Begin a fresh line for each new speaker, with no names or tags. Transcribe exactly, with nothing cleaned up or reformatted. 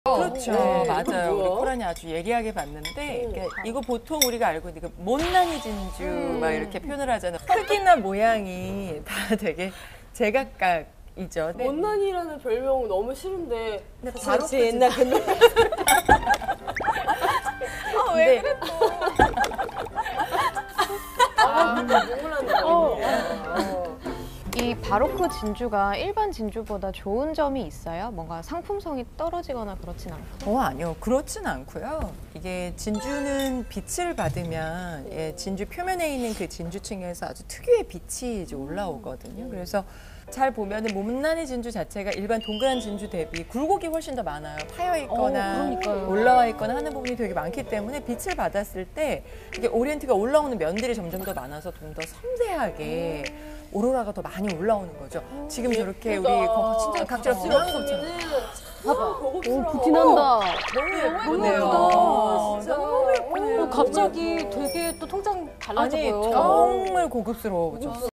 그렇죠.
네.
맞아요. 우리
뭐야?
코란이 아주 예리하게 봤는데
음.
이게 이거 보통 우리가 알고 있는 그 못난이 진주
음.
막 이렇게 표현을 하잖아요. 크기나 모양이 다 되게 제각각이죠. 네.
못난이라는 별명 너무 싫은데
근데
바로
바로
제 옛날 그
아, 왜 그래?
아, 눈물 나는 거.
이 바로크 진주가 일반 진주보다 좋은 점이 있어요? 뭔가 상품성이 떨어지거나 그렇진 않고.
어, 아니요. 그렇진 않고요. 이게 진주는 빛을 받으면 예, 진주 표면에 있는 그 진주층에서 아주 특유의 빛이 이제 올라오거든요. 그래서 잘 보면은 못난이 진주 자체가 일반 동그란 진주 대비 굴곡이 훨씬 더 많아요. 파여 있거나
어, 그러니까요.
올라와 있거나 하는 부분이 되게 많기 때문에 빛을 받았을 때 이게 오리엔트가 올라오는 면들이 점점 더 많아서 좀 더 섬세하게 오로라가 더 많이 올라오는 거죠. 지금 저렇게 우리 거- 진짜 각자 부러운 것처럼.
봐봐.
오, 부티 난다.
너무
너무
예쁘네요.
예쁘다. 진짜.
너무 예쁘네요.
어, 갑자기 되게 또 통장 달라져
아니
보여.
정말 고급스러워졌어.